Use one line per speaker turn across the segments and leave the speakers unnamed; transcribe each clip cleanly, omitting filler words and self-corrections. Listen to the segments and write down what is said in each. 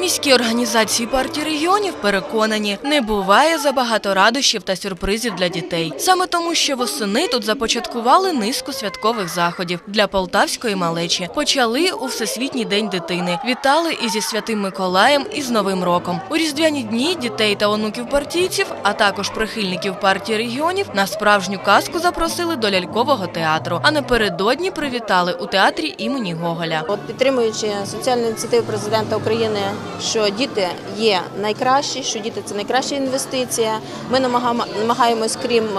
міській організації партії регіонів переконані, не буває забагато радощів та сюрпризів для дітей. Саме тому, що восени тут започаткували низку святкових заходів для полтавської малечі. Почали у Всесвітній день дитини. Вітали і зі Святим Миколаєм, і з Новим роком. У різдвяні дні дітей та онуків партійців, а також прихильників партії регіонів на справжню казку запросили до лялькового театру. А напередодні привітали у театрі імені Гоголя.
Підтримуючи соціальну ініціативу президента України, що діти є найкращі, що діти – це найкраща інвестиція, ми намагаємось,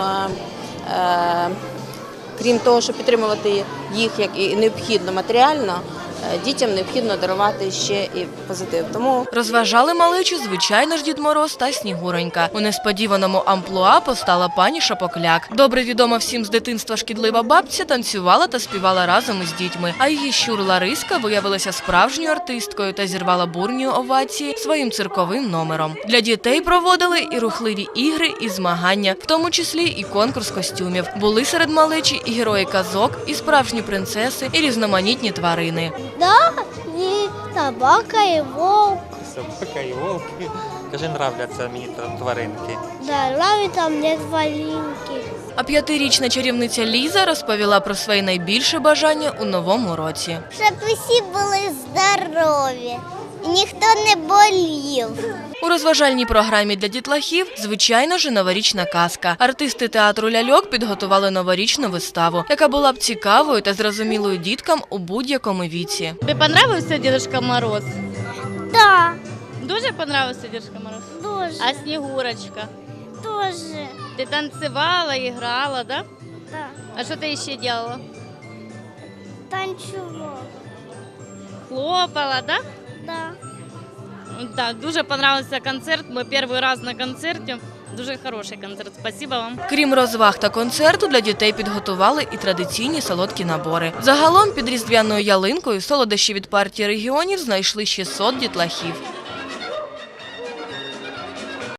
крім того, щоб підтримувати їх як і необхідно матеріально, дітям необхідно дарувати ще і позитив. Тому
розважали малечу, звичайно ж, Дід Мороз та Снігуронька. У несподіваному амплуа постала пані Шапокляк. Добре відома всім з дитинства шкідлива бабця танцювала та співала разом із дітьми. А її щур Лариска виявилася справжньою артисткою та зірвала бурні овації своїм цирковим номером. Для дітей проводили і рухливі ігри, і змагання, в тому числі і конкурс костюмів. Були серед малечі і герої казок, і справжні принцеси, і різноманітні тварини.
Да, и собака, и волк.
Собака і волки. Дуже нравляться мені тваринки.
Да, нравится мне тваринки.
А 5-річна чарівниця Ліза розповіла про своє найбільше бажання у новому році.
Щоб усі були здорові, і ніхто не болів.
У розважальній програмі для дітлахів, звичайно ж, новорічна казка. Артисти театру ляльок підготували новорічну виставу, яка була б цікавою та зрозумілою діткам у будь-якому віці.
Тобі подобався Дідушка Мороз?
Да,
Дуже подобався Дідушка Мороз?
дуже,
А Снігурочка?
дуже.
Ти танцювала, грала, да?
Да,
А що ти ще робила?
танцювала.
Хлопала, да?
Да.
Так, дуже подобався концерт. Ми перший раз на концерті. Дуже хороший концерт. Спасибо вам.
Крім розваг та концерту, для дітей підготували і традиційні солодкі набори. Загалом під різдвяною ялинкою солодощі від партії регіонів знайшли 600 дітлахів.